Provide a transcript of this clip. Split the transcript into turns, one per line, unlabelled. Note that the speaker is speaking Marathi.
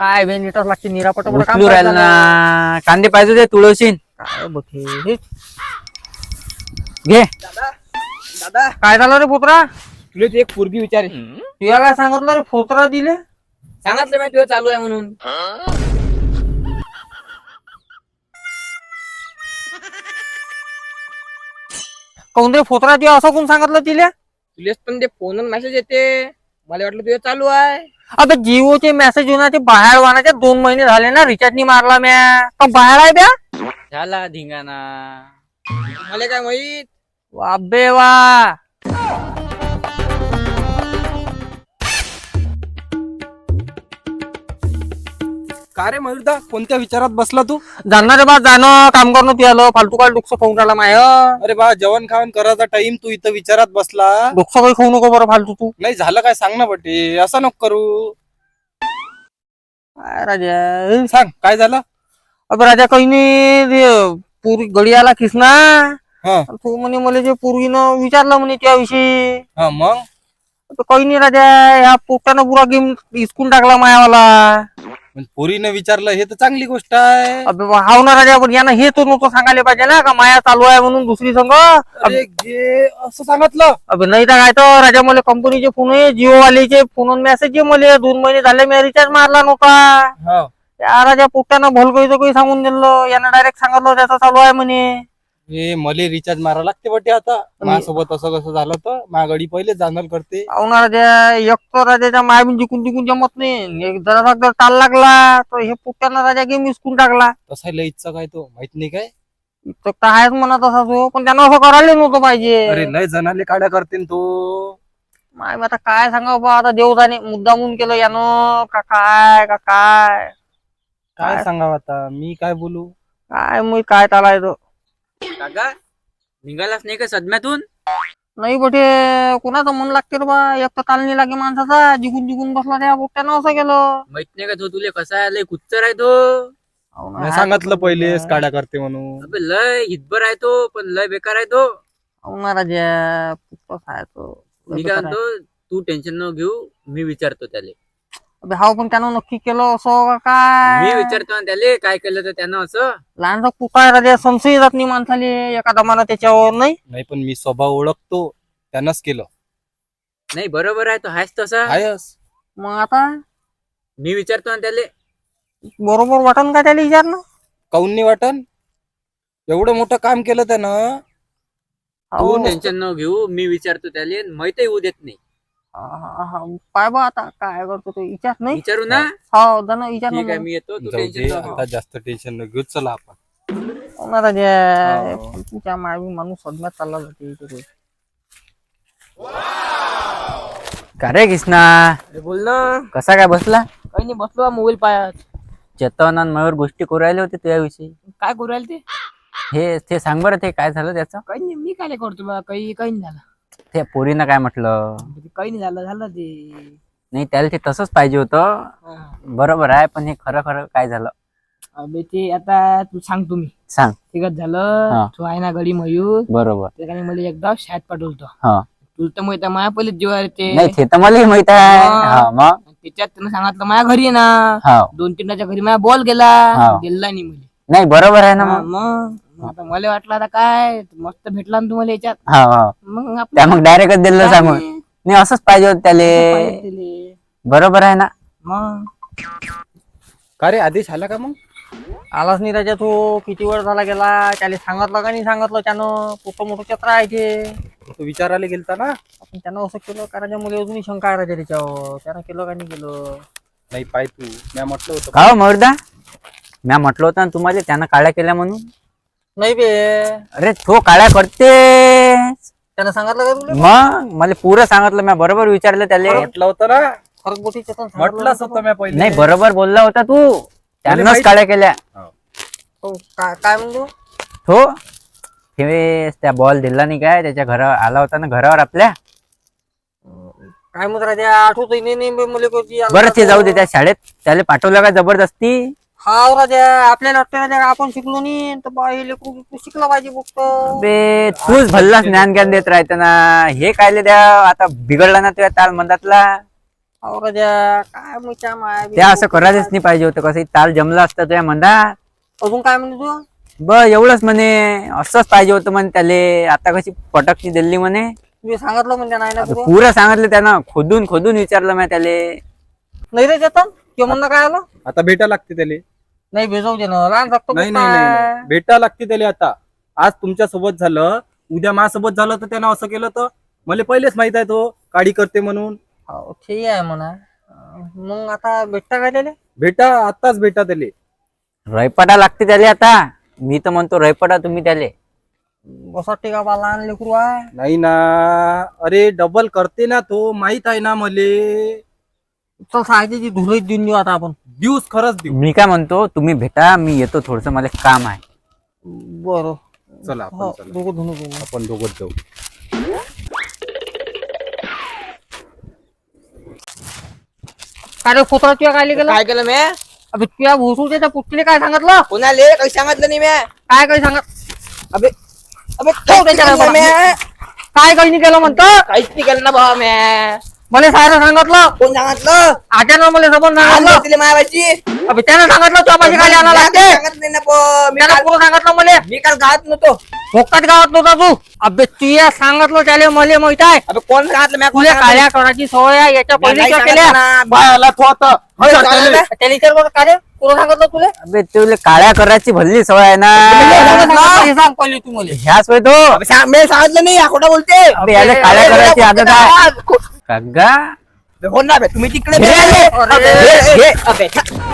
काय बे नीटच लागते निरापट काम
उचलू राहिला ना. कांदे पाहिजे ते तुळशीन
काय बघे हे
घे.
दादा
काय झालं रे पोत्रा?
तुला ती एक पोरगी विचारे
तुला काय सांगितलं रे फोत्रा दिले?
सांगितलं मी तुझं चालू आहे म्हणून.
काऊन रे फोत्रा दे असं कोण सांगितलं तिला?
तुलेच पण ते फोनवर मेसेज येते, मला वाटलं तुझं चालू आहे.
अबे जिओचे मेसेज येऊन ते बाहेर वाहनाचे 2 महिने झाले ना, रिचार्ज नाही मारला म्या. का बाहेर आहे ब्या?
झाला धिंगाणा.
मला काय माहित.
वा बे वा.
का रे मयूरदा, कोणत्या विचारात बसला तू?
जाणार रे बा जाणं काम करणं तू आलं फालतू काय डुक्स खाऊन राहिला माय.
अरे बा, जेवण खावण करायचा टाइम तू इथं विचारात बसला.
डुक्स काही खाऊ नको बरं फालतू तू.
नाही झालं काय सांग ना बटे, असं नको करू.
काय राजा
सांग काय झालं.
अबे राजा काही नाही रे, पूर्वी गडी आला किसना.
हा
तू म्हणे मला जे पूर्वीनं विचारलं म्हणे त्याविषयी.
हा मग
तर काही नाही राजा, ह्या पोट्यानं पुरा गेम हिसकून टाकला मायावाला.
पोरीनं विचारलं हे तर चांगली गोष्ट आहे.
अबे हाव ना राजा, पण यानं हे तो नव्हतं सांगायला पाहिजे ना का माया चालू आहे म्हणून दुसरी संघ.
अरे घे असं सांगितलं.
अबे नाही तर काय तर राजा, मला कंपनीचे फोन आहे, जिओ वालेचे फोन मेसेज आहे, मला 2 महिने झाले मी रिचार्ज मारला नव्हता.
हा
त्या राजा पोट्यानं भलकईचं काही सांगून दिलं, यानं डायरेक्ट सांगितलं त्याचा चालू आहे म्हणे.
हे मले रिचार्ज मारा लागते बटे आता. माझ्यासोबत असं कसं झालं तर माझ्या गडी पहिले जाणार करते.
हाव ना राजा, एक तर राजाच्या मायबीन जिकून जिकून जमत नाही, एक जरा जर ताल लागला तर हे पोट्यानं राजा गेम हिसकून टाकला.
तसा लईचा काय तो माहित नाही काय.
इतकं तर आहेच म्हणा तसा तो, पण त्यानं असं करायला नव्हतं पाहिजे.
अरे लय जणाले काड्या करते तो.
माय आता काय सांगावं बा, आता देव जाणे मुद्दामून केलं यानं का काय का काय.
काय सांगावं आता, मी काय बोलू.
काय मग काय चालायचं.
काका निघालाच नाही का सदम्यातून?
नाही बटे, कोणाचं मन लागते रे बा, एक तर ताल नाही लागे माणसाचा, जिकून जिकून बसला त्या पोट्यानं असं केलं.
माहित नाही का तो तुले कसा आहे, लय कुच्चर आहे तो.
हाव ना,
मी सांगितलं पहिलेच काड्या करते म्हणून.
अबे लय हितभर आहे तो, पण लय बेकार आहे तो.
हाव ना राजा, पुष्पच आहे तो.
मी काय म्हणतो, तू टेन्शन न घेऊ, मी विचारतो त्याले.
अबे हाव, पण त्यानं नक्की केलं असं का काय.
मी विचारतो ना त्याले काय केलं तर त्यानं असं.
लहानसा कुठं आहे राजा, संशय जात नाही माणसाले एका दमानं त्याच्यावर. नाही
नाही पण मी स्वभाव ओळखतो, त्यानंच केलं.
नाही बरोबर आहे तो आहेच तसा.
आहेस.
मग आता
मी विचारतो ना त्याले.
बरोबर वाटन का त्याला विचारणं.
काऊन नाही वाटन, एवढं मोठं काम केलं त्यानं.
हाव.
तू टेन्शन न घेऊ, मी विचारतो त्याले, माहितही होऊ देत नाही.
पाय बा आता काय करतो तो, विचार नाही.
विचारू ना.
हो जण विचार
ठीक आहे मी येतो, तू
जाऊ दे,
टेन्शन न
आता जास्त टेन्शन न घेऊ, चला आपण.
राजा.
हो.
तुमच्या मावी माणूस सदम्यात चालला जाते इथे.
का रे कृष्णा,
बोल ना.
कसा काय बसला?
काही नाही, बसलो मोबाईल पायात.
चेतन आणि मयूर गोष्टी करू राहिले होते तुझ्याविषयी.
काय करू राहिले ते?
हे ते सांग बरं, ते काय झालं त्याचं?
काही नाही, मी काय करतो बा, काही काही नाही झालं.
त्या पोरीनं काय म्हटलं?
काही नाही झालं, झालं ते.
नाही त्याला ते तसंच पाहिजे होतं.
हा.
बरोबर आहे, पण हे खरं खरं काय झालं
अबे ते आता तू सांग, तुम्ही
सांग.
ठीक
हा.
झालं. तू आहे ना गडी मयूर,
बरोबर.
त्याने मला एकदा शाळेत पाठवलं.
हा.
तुला तर माहित आहे, माझ्या पहिले जीवावर ते
नाही ते तर मलाही माहित आहे. हा मग.
त्याच्यात त्यानं सांगितलं माझ्या घरी आहे ना,
हा
2-3 घरी माझा बॉल गेला,
हा.
गेला नाही मला.
नाही बरोबर आहे ना
हा,
मग.
मग आता मला वाटलं आता काय मस्त भेटला ना तुम्हाला याच्यात.
हा हा
मग
त्या
आपलं
मग डायरेक्टच दिलं सांगून.
काय
नाही असंच पाहिजे होतं त्याले.
पाहिजे तिले.
बरोबर आहे ना.
मग
का रे, आदेश आला का मग?
आलाच नाही राजा तो, किती वेळ झाला गेला, त्याला सांगितलं का नाही सांगितलं त्यानं, मोठं मोठं चत्र आहे ते.
तू विचारायला गेलता ना.
आपण त्यानं असं केलं का राजा, मला अजूनही शंका आहे राजा त्याच्यावर, त्यानं केलं का नाही केलं.
नाही पाय तू, मी म्हटलं होतं.
का हो मयुरदा, म्या म्हटलं होतं ना तुम्हाला त्यानं काळ्या केल्या म्हणून.
नाही बे,
अरे तो काळ्या करते.
त्यानं सांगितलं का तुला.
मग मला पुरं सांगितलं, म्या बरोबर विचारलं त्याले.
म्हटलं होतं ना,
फरक बोटी चेतन
म्हटलंच होतं मी पहिले.
नाही बरोबर बोलला होता तू, त्यानंच
माहित-
काळ्या केल्या.
हो, काय म्हणतो.
हो ते त्या बॉल दिला नाही काय, त्याच्या घरावर आला होता ना, घरावर आपल्या.
काय म्हणत राजा, आठवत नाही मला कोणती.
बरं ते जाऊ दे, त्या शाळेत त्याला पाठवलं का जबरदस्ती?
हाव राजा, आपल्याला वाटतं राजा आपण शिकलो नाही तर बा हे लेकरू शिकलं पाहिजे फक्त.
बे तूच भल्लाच ज्ञान ज्ञान देत राहते ना. हे कायले द्या आता, बिघडला ना तुझ्या ताल मंदातला.
अहो राजा काय मुच्या माय
त्या असं करायलाच नाही पाहिजे होतं. कसं ताल जमला असता तुझ्या मंदात.
अजून काय म्हणते तू?
ब एवढंच म्हणे, असंच पाहिजे होतं म्हणे त्याले. आता कशी पटकची दिल्ली म्हणे.
मी सांगितलं म्हणजे नाही ना तुला.
पुरं सांगितलं त्यानं, खोदून खोदून विचारलं मी त्याले.
नाही रे चेतन किंवा म्हणणं काय आलं
आता भेटा लागते त्याले.
नाही भेजवू दे ना लहान जगतो
नाही नाही नाही भेटा लागते त्याले. आता आज तुमच्या सोबत झालं, उद्या माझ्यासोबत झालं तर त्यानं असं केलं तर मला पहिलेच माहित आहे तो काडी करते म्हणून.
हो ठीक आहे म्हणा. मग आता भेटता काय त्याले?
भेटा आताच भेटा त्याले.
रयपटा लागते त्याले आता. मी तर म्हणतो रयपटा तुम्ही त्याले.
बसा टिका बा लहान लेकरू आहे.
नाही ना, अरे डबल करते ना तो, माहित आहे ना मले.
चल साहित्याची धुळीच देऊन देऊ आता आपण.
दिवस खरंच देऊ.
मी काय म्हणतो, तुम्ही भेटा, मी येतो, थोडस मला काम आहे.
बरं
चला
हो
आपण चला,
दोघं धुणं घेऊन.
आपण दोघंच जाऊ.
काय रे फोटो तुया काय गेलं?
काय केलं मी?
अबे तुया भोसू त्याच्या पुटले काय सांगितलं?
कोणाले काही सांगितलं नाही मी.
काय काही सांगत?
अबे अबे
ठेव त्याच्यावर
काय
बघा. काय काही नाही केलं म्हणतं?
काहीच नाही केलं ना भावा मी.
मला सारं सांगितलं.
कोण सांगितलं?
आट्यानं मला सबंध सांगितलं.
तिला मायाबाची
अबे त्यानं सांगितलं तुझ्या पाशी काय आला लागते.
सांगत नाही ना पण.
त्यानं पुरं सांगितलं मला.
मी काल गावात नव्हतो.
भोकात गावात नव्हता तू. अबे तुया सांगितलं त्याला मला माहित आहे.
अबे कोण सांगितलं मी?
तुला काळ्या करायची सवय आहे याच्या पहिले केल्या.
बायाला तो आता
त्याला विचार कर काय रे? पुरं सांगितलं तुला?
अबे तुला काळ्या करायची भल्ली सवय आहे ना.
हे सांग पहिले तू मला.
ह्याच वय तो.
मी सांगितलं नाही. खोटा बोलते.
अबे याला काळ्या करायची आदत आहे. काका
हो ना बे, तुम्ही तिकडे
घे,
बे.
घे,
अबे,
घे.
अबे,